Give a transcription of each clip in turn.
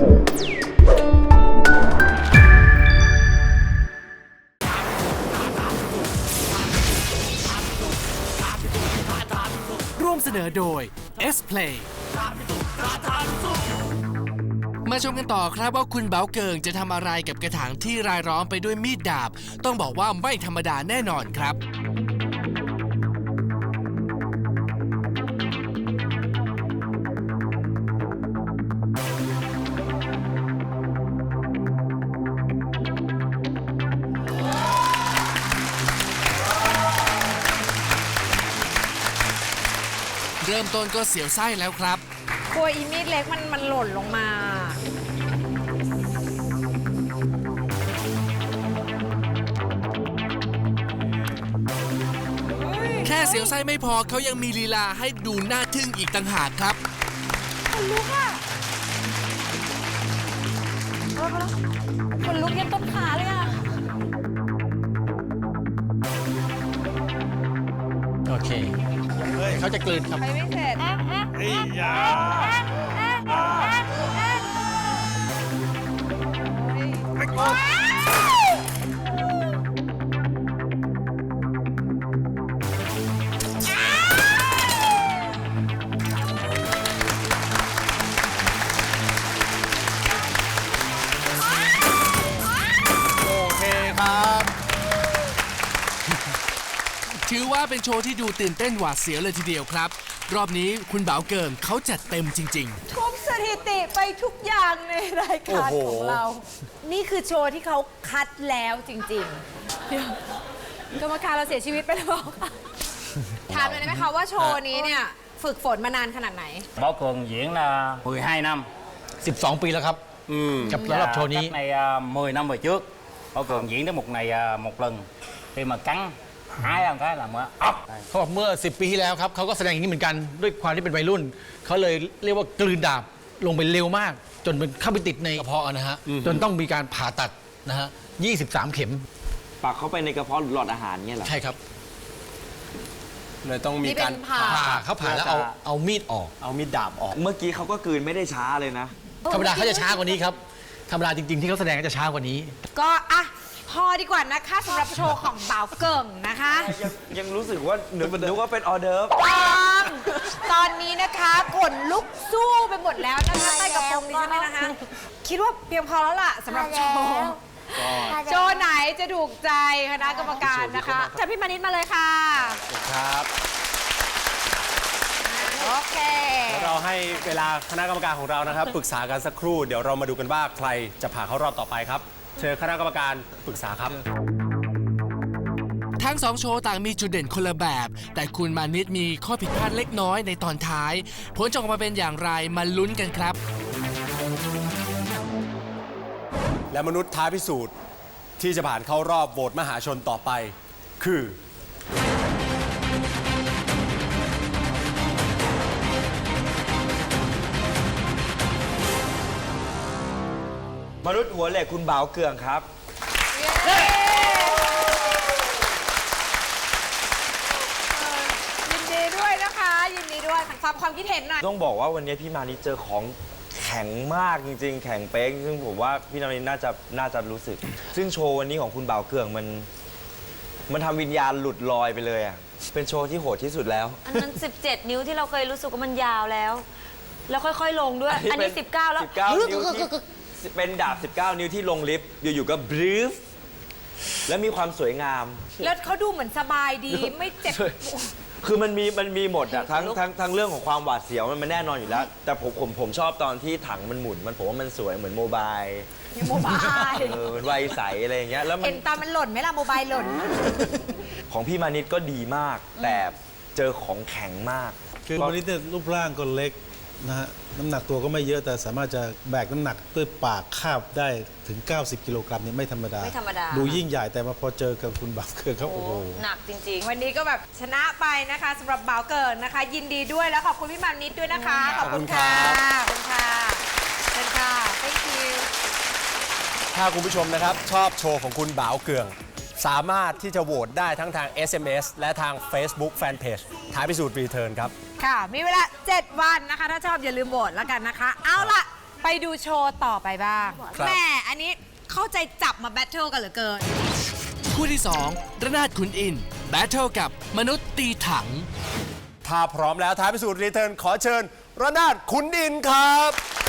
ร่วมเสนอโดย S-Play มาชมกันต่อครับว่าคุณเบาเกิงจะทำอะไรกับกระถางที่รายล้อมไปด้วยมีดดาบต้องบอกว่าไม่ธรรมดาแน่นอนครับเริ่มต้นก็เสียวไส้แล้วครับกลัวอีมีดเล็กมันหล่นลงมาแค่เสียวไส้ไม่พอเขายังมีลีลาให้ดูน่าทึ่งอีกต่างหากครับคนลุกอ่ะคนลุกยันต้นขาเลยอ่ะโอเคเขาจะกลืนครับไปไม่เสร็จเฮ้ยยาถือว่าเป็นโชว์ที่ดูตื่นเต้นหวาดเสียวเลยทีเดียวครับรอบนี้คุณเบาเกิงเขาจัดเต็มจริงๆทุบสถิติไปทุกอย่างในรายการของเรานี่คือโชว์ที่เขาคัดแล้วจริงๆกรรมการเราเสียชีวิตไปแล้วค่ะถามเลยได้ไหมคะว่าโชว์นี้เนี่ยฝึกฝนมานานขนาดไหน Bảo Cường diễn là 12 năm 12 ปีแล้วครับกับสำหรับโชว์นี้ cách này 10 năm về trước Bảo Cường diễn đến một ngày một lần khi mà cắn hái ăn cái là mới ốc เขาบอกเมื่อ10 ปีที่แล้วครับเขาก็แสดงอย่างนี้เหมือนกันด้วยความที่เป็นวัยรุ่นเขาเลยเรียกว่ากลืนดาบลงไปเร็วมากจนมันเข้าไปติดในกระเพาะนะฮะจนต้องมีการผ่าตัดนะฮะ23 เข็มปักเข้าไปในกระเพาะหรือหลอดอาหารเงี้ยเหรอใช่ครับเลยต้องมีการผ่าเขาผ่าแล้วเอามีดออกเอามีดดาบออกเมื่อกี้เขาก็กลืนไม่ได้ช้าเลยนะธรรมดาเขาจะช้ากว่านี้ครับธรรมดาจริงๆที่เขาแสดงจะช้ากว่านี้ก็อ่ะพอดีกว่านะคะสำหรับโชว์ของเบาเกิงนะคะยังรู้สึกว่านึกว่าเป็นออเดิร์ฟตอนนี้นะคะขนลุกสู้ไปหมดแล้วนะคะใต้กระโปรงนี้ใช่ไหมนะคะคิดว่าเพียงพอแล้วล่ะสำหรับโชว์ไหนจะถูกใจคณะกรรมการนะคะเชิญพี่มานิดมาเลยค่ะครับโอเคเราให้เวลาคณะกรรมการของเรานะครับปรึกษากันสักครู่เดี๋ยวเรามาดูกันว่าใครจะผ่านเข้ารอบต่อไปครับเชิญคณะกรรมการปรึกษาครับทั้ง2โชว์ต่างมีจุดเด่นคนละแบบแต่คุณมานิดมีข้อผิดพลาดเล็กน้อยในตอนท้ายผลจะออกมาเป็นอย่างไรมาลุ้นกันครับและมนุษย์ท้าพิสูจน์ที่จะผ่านเข้ารอบโหวตมหาชนต่อไปคือมนุษย์หัวเหล็กคุณเบาเกืองครับยินดีด้วยนะคะยินดีด้วยฟังความคิดเห็นหน่อยต้องบอกว่าวันนี้พี่มานิดเจอของแข็งมากจริงๆแข็งเป๊กซึ่งผมว่าพี่มานิดน่าจะรู้สึกซึ่งโชว์วันนี้ของคุณเบาเกืองมันทำวิญญาณหลุดลอยไปเลยอ่ะเป็นโชว์ที่โหดที่สุดแล้วอันนั้น17 นิ้วที่เราเคยรู้สึกว่ามันยาวแล้วค่อยๆลงด้วยอันนี้19แล้ว 19 นิ้วที่เป็นดาบ19 นิ้วที่ลงลิฟต์อยู่ๆก็บรีฟและมีความสวยงามแล้วเขาดูเหมือนสบายดีไม่เจ็บคือมันมีหมดอะทั้งเรื่องของความหวาดเสียวมันแน่นอนอยู่แล้วแต่ผมชอบตอนที่ถังมันหมุนผมว่ามันสวยเหมือนโมบายโมบายเหมือนวัยใสอะไรอย่างเงี้ยแล้วเห็นตามันหล่นไหมล่ะโมบายหล่นของพี่มานิดก็ดีมากแต่เจอของแข็งมากคือมานิดเนี่ยรูปร่างก็เล็กนะฮะน้ำหนักตัวก็ไม่เยอะแต่สามารถจะแบกน้ำหนักด้วยปากคาบได้ถึง90 กิโลกรัมเนี่ยไม่ธรรมดาดูยิ่งใหญ่แต่มาพอเจอกับคุณบ่าวเกิงเขาโอ้โหหนักจริงๆวันนี้ก็แบบชนะไปนะคะสำหรับบ่าวเกิงนะคะยินดีด้วยแล้วขอบคุณพี่มานิดด้วยนะคะขอบคุณค่ะขอบคุณค่ะเชิญค่ะ thank you ถ้าคุณผู้ชมนะครับชอบโชว์ของคุณบ่าวเกืองสามารถที่จะโหวตได้ทั้งทาง SMS และทาง Facebook Fanpage ท้าพิสูจน์รีเทิร์นครับค่ะมีเวลา7 วันนะคะถ้าชอบอย่าลืมโหวตแล้วกันนะคะเอาล่ะไปไปดูโชว์ต่อไปบ้างครับแม่อันนี้เข้าใจจับมาแบทเทิลกันเหลือเกินคู่ที่ 2 ระนาดขุนอินทร์แบทเทิลกับมนุษย์ตีถังถ้าพร้อมแล้วท้ายพิสูจน์รีเทิร์นขอเชิญระนาดขุนอินทร์ครับ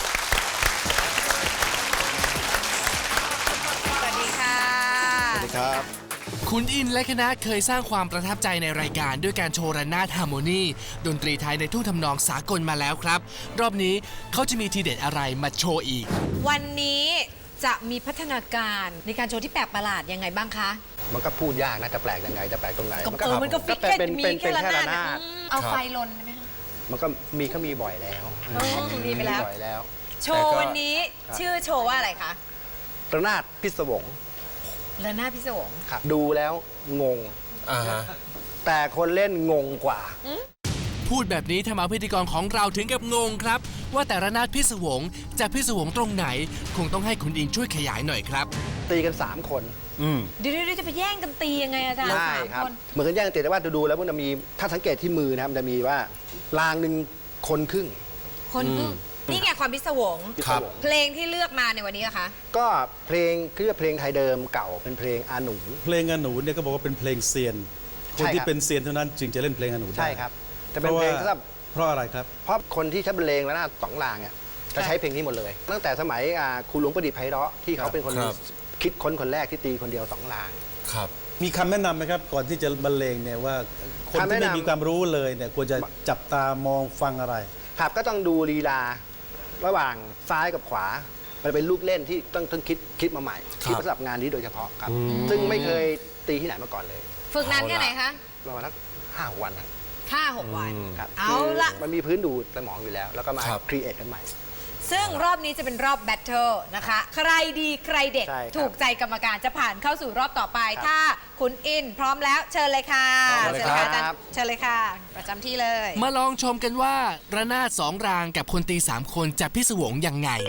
สวัสดีค่ะสวัสดีครับขุนอินทร์และคณะเคยสร้างความประทับใจในรายการด้วยการโชว์ระนาดฮาร์โมนีดนตรีไทยในทุ่งทำนองสากลมาแล้วครับ รอบนี้เขาจะมีทีเด็ดอะไรมาโชว์อีกวันนี้จะมีพัฒนาการในการโชว์ที่แปลกประหลาดยังไงบ้างคะมันก็พูดยากนะจะแปลกยังไงจะแปลกตรงไหนมันก็ฟิกแค่เป็นมีเป็นแค่ระนาดแค่ระนาดเอาไฟลนได้ไหมคะมันก็มีบ่อยแล้วมีไปแล้วบ่อยแล้วโชว์วันนี้ชื่อโชว์ว่าอะไรคะระนาดพิศวงระนาดพิศวงครับดูแล้วงงอ่าฮะแต่คนเล่นงงกว่าพูดแบบนี้ทำเอาพิธีกรของเราถึงกับงงครับ ว่าแต่ระนาดพิศวงจะพิศวงตรงไหน คงต้องให้ขุนอินทร์ช่วยขยายหน่อยครับตีกัน 3 คนเดี๋ยวจะไปแย่งกันตียังไงอาจารย์ใช่สามครับคนเหมือนกันแย่งตีแต่ว่าดูแล้วมันจะมีถ้าสังเกตที่มือนะครับมันจะมีว่ารางหนึ่งคนครึ่งคนคือนี่ไงความพิศวงพิศวงเพลงที่เลือกมาในวันนี้นะคะก็เพลงคือเพลงไทยเดิมเก่าเป็นเพลงอาหนูเพลงอนูเนี่ยก็บอกว่าเป็นเพลงเซียน คนที่เป็นเซียนเท่านั้นจึงจะเล่นเพลงอนูได้ใช่ครับแต่เป็นเพลงสำหรับเพราะอะไรครับเพราะคนที่ใช้บรรเลงและหน้าสองรางเนี่ยจะใช้เพลงนี้หมดเลย ตั้งแต่สมัยครูหลวงประดิษฐ์ไพเราะที่เขาเป็นคนครับคิดค้นคนแรกที่ตีคนเดียว2รางครับมีคำแนะนำไหมครับ ก่อนที่จะบรรเลงเนี่ยว่าคนคำแนะที่นำไม่มีความรู้เลยเนี่ยควรจะจับตามองฟังอะไรครับก็ต้องดูลีลาระหว่างซ้ายกับขวา มันเป็นลูกเล่นที่ต้องคิดมาใหม่ คิดมาสำหรับงานนี้โดยเฉพาะครับ ซึ่งไม่เคยตีที่ไหนมาก่อนเลยฝึกนานแค่ไหนคะประมาณสัก5-6 วันครับ 5-6 วันครับเอาละมันมีพื้นดูสมองอยู่แล้ว แล้วก็มาครับครีเอทกันใหม่ซึ่งรอบนี้จะเป็นรอบแบทเทิลนะคะ ใครดีใครเด็ดใช่ครับถูกใจกรรมการจะผ่านเข้าสู่รอบต่อไปครับถ้าคุณอินพร้อมแล้วเชิญเลยค่ะพร้อมเลยเชิญเลยค่ะครับเชิญเลยค่ะ ประจำที่เลยมาลองชมกันว่าระนาด2 รางกับคนตี 3 คนจะพิศวงยังไง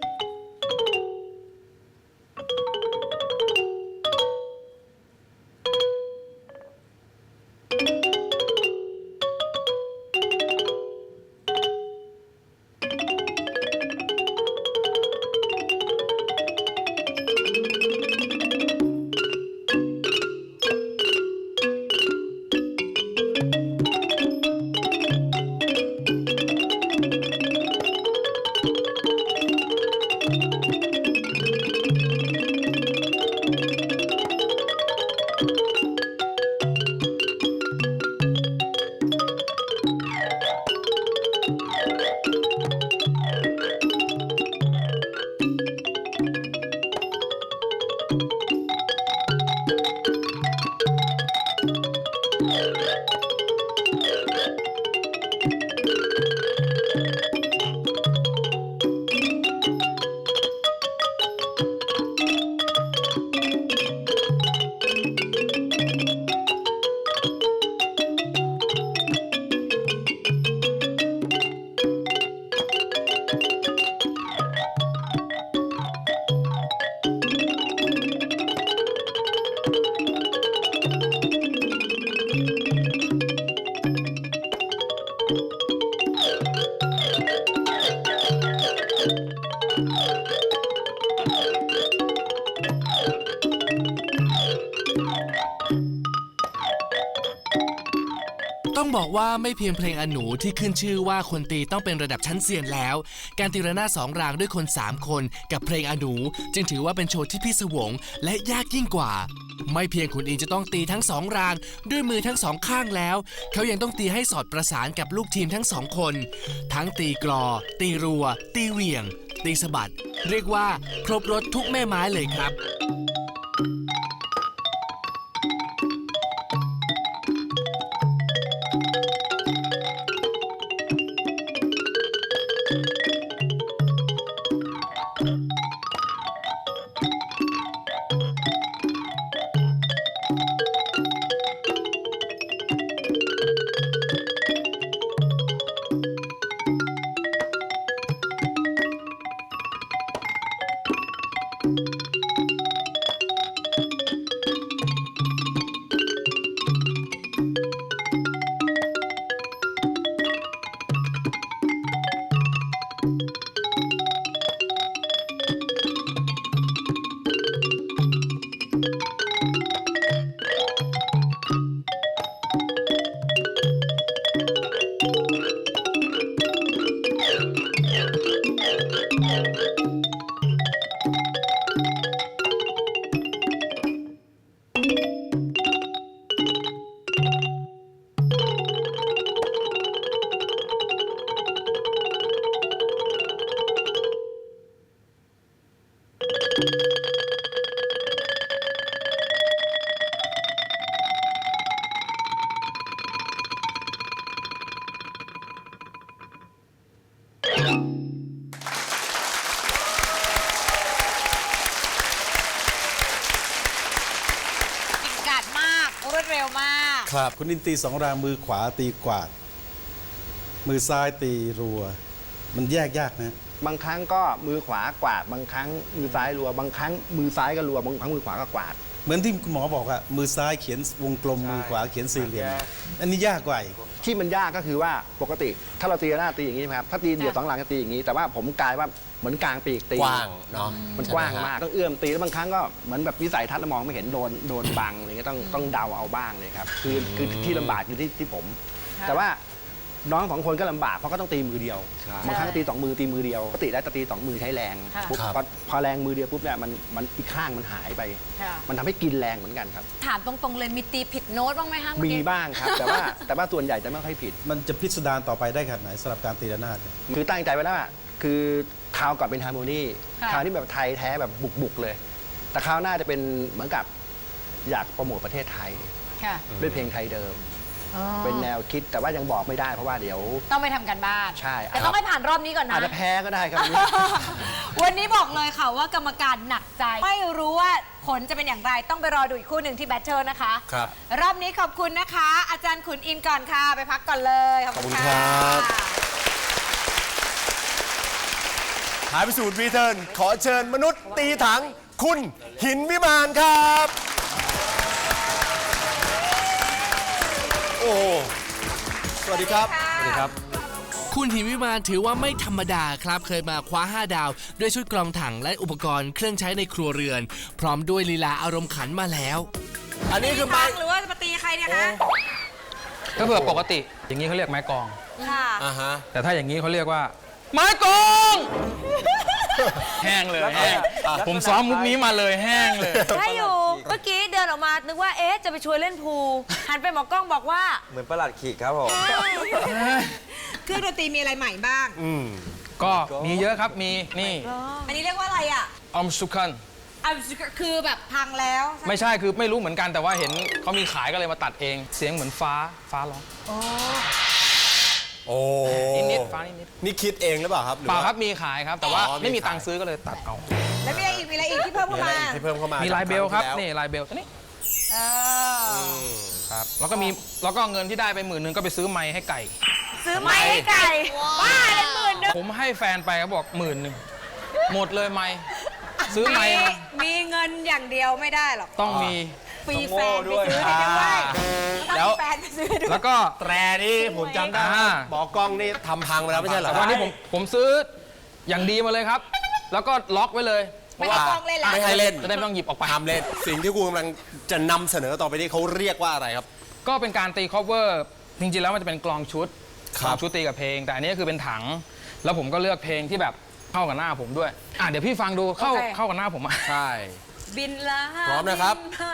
ต้องบอกว่าไม่เพียงเพลงอนูที่ขึ้นชื่อว่าคนตีต้องเป็นระดับชั้นเซียนแล้ว การตีระนาด2 รางด้วยคน 3 คนกับเพลงอนูจึงถือว่าเป็นโชว์ที่พิศวงและยากยิ่งกว่า ไม่เพียงขุนอินทร์จะต้องตีทั้ง2 รางด้วยมือทั้ง2 ข้างแล้ว เขายังต้องตีให้สอดประสานกับลูกทีมทั้ง2 คน ทั้งตีกลอ ตีรัว ตีเหวี่ยง ตีสะบัด เรียกว่าครบรถทุกแม่ไม้เลยครับกาดมากรวดเร็วมากครับคุณอินตีสองรางมือขวาตีกวาด มือซ้ายตีรัว มันแยกยากนะบางครั้งก็มือขวากวาด บางครั้งมือซ้ายรัว บางครั้งมือซ้ายก็รัว บางครั้งมือขวาก็กวาดเหมือนที่คุณหมอบอกอะมือซ้ายเขียนวงกลม มือขวาเขียนสี่เหลี่ยม อันนี้ยากกว่าอีกที่มันยากก็คือว่าปกติถ้าเราตีหน้าตีอย่างนี้ใช่ไหมครับถ้าตีเดี่ยวสองหลังจะตีอย่างนี้ แต่ว่าผมกลายว่าเหมือนกลางปีกตีกว้างเนาะมันกว้างมากต้องเอื้อมตีแล้วบางครั้งก็เหมือนแบบวิสัยทัศน์เรามองไม่เห็นโดนบังอะไรเงี้ยต้องเดาเอาบ้างเลยครับคือที่ลำบากอยู่ที่ผม แต่ว่าน้องสองคนก็ลำบากเพราะก็ต้องตีมือเดียวบางครั้งก็ตีสองมือตีมือเดียวปกติแล้วจะตีสองมือใช้แรงปุ๊บพอแรงมือเดียวปุ๊บเนี่ยมันอีกข้างมันหายไป มันทำให้กินแรงเหมือนกันครับถามตรงๆเลยมีตีผิดโน้ตบ้างไหมคะเมื่อมีกี้บ้างครับ แต่ว่าส่วนใหญ่จะไม่ค่อยผิดมันจะพิสดารต่อไปได้ขนาดไหนสำหรับการตีระนาดเนี่ยคือตั้งใจไว้แล้วอะคือคราวก่อนเป็นฮาร์โมนีคราวนี้แบบไทยแท้แบบบุกเลย แต่คราวหน้าจะเป็นเหมือนกับอยากโปรโมทประเทศไทยค่ะด้วยเพลงไทยเดิมอ๋อเป็นแนวคิดแต่ว่ายังบอกไม่ได้เพราะว่าเดี๋ยวต้องไปทำกันบ้านใช่แต่ต้องให้ผ่านรอบนี้ก่อนนะอาจจะแพ้ก็ได้ครับวันนี้บอกเลยค่ะว่ากรรมการหนักใจ ไม่รู้ว่าผลจะเป็นอย่างไรต้องไปรอดูอีกคู่หนึ่งที่แบทเทิลนะคะครับรอบนี้ขอบคุณนะคะ อาจารย์ขุนอินก่อนค่ะ ไปพักก่อนเลย ขอบคุณขอบคุณครับ ท้ายพิสูจน์รีเทิร์นขอเชิญมนุษย์ตีถัง คุณหินวิมานครับ โอ้สวัสดีครับ สวัสดีครับคุณหิมวิมานถือว่าไม่ธรรมดาครับ เคยมาคว้า 5 ดาว ด้วยชุดกรองถังและอุปกรณ์เครื่องใช้ในครัวเรือน พร้อมด้วยลีลาอารมณ์ขันมาแล้วอันนี้คือฟัไม้งหรือว่าจะมาตีใครเนี่ยคะก็เผื่อปกติอย่างนี้เขาเรียกไม้กลองค่ะอ่าฮะแต่ถ้าอย่างนี้เขาเรียกว่า ไม้กลอง แห้งเลยแห้งผมซ้อมมุกนี้มาเลยแห้งเลยได้อยู่ เมื่อกี้เดินออกมานึกว่าเอ๊ะจะไปชวนเล่นพูลหันไปหมอกล้องบอกว่าเหมือนประหลัดขีกครับผมเครื่องดนตรีมีอะไรใหม่บ้างก็มีเยอะครับมีนี่อันนี้เรียกว่าอะไรอ่ะออมสุคันคือแบบพังแล้วไม่ใช่คือไม่รู้เหมือนกันแต่ว่าเห็นเขามีขายก็เลยมาตัดเอง เสียงเหมือนฟ้าร้องโอ้นิดๆฟ้านิดนี่คิดเองหรือเปล่าครับหๆอเปล่าว่าครับมีขายครับ แต่ว่าอ๋อมีไม่มีขายตังค์ซื้อก็เลยตัดเอาแล้วมีอะไรอีก มีอะไรอีกที่เพิ่มมีเข้าอะไรมาอีกที่เพิ่มเข้ามามีมีลายเบลครับนี่ลายเบลตัวนี้เออครับแล้วก็มีแล้วก็เงินที่ได้ไป10,000ก็ไปซื้อไม้ให้ไก่ซื้อไม้ให้ไก่บ้าเลย10,000 ผมให้แฟนไปเขาบอก10,000หมดเลยไม้ซื้อไม้มามีเงินอย่างเดียวไม่ได้หรอกต้องมีปีแฟนไปซื้อให้ด้วยต้องมีแฟนไปซื้อให้ด้วยแล้วก็แตรนี่ผมจำได้อ่าหมอกล้องนี่ทำพังไปแล้วไม่ใช่เหรอแต่วันนี้ผมซื้ออย่างดีมาเลยครับ แล้วก็ล็อกไว้เลยไม่ให้กล้องเล่นแล้วไม่ให้เล่นจะได้ไม่ต้องหยิบออกไปห้ามเล่น สิ่งที่คุณกำลังจะนำเสนอต่อไปนี้เขาเรียกว่าอะไรครับก็เป็นการตี cover จริงๆแล้วมันจะเป็นกลองชุดคกรับลองชุดตีกับเพลง แต่อันนี้คือเป็นถัง แล้วผมก็เลือกเพลงที่แบบเข้ากับหน้าผมด้วยเดี๋ยวพี่ฟังดูเข้าโอเคเข้ากับหน้าผมอ่ะใช่บินลาพร้อมนะครับบิมา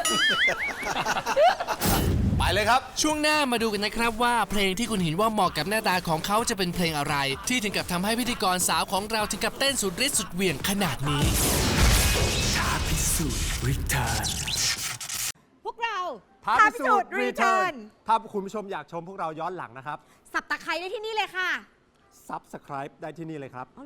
ไปเลยครับช่วงหน้ามาดูกันนะครับว่าเพลงที่คุณหินว่าเหมาะกับหน้าตาของเขาจะเป็นเพลงอะไร ที่ถึงกับทำให้พิธีกรสาวของเราถึงกับเต้นสุดฤทธิ์สุดเหวี่ยงขนาดนี้ท้าพิสูจน์รีเทิร์นพวกเราท้าพิสูจน์ Return ถ้าคุณผู้ชมอยากชมพวกเราย้อนหลังนะครับสับตะไคร้ได้ที่นี่เลยค่ะ Subscribe ได้ที่นี่เลยครับ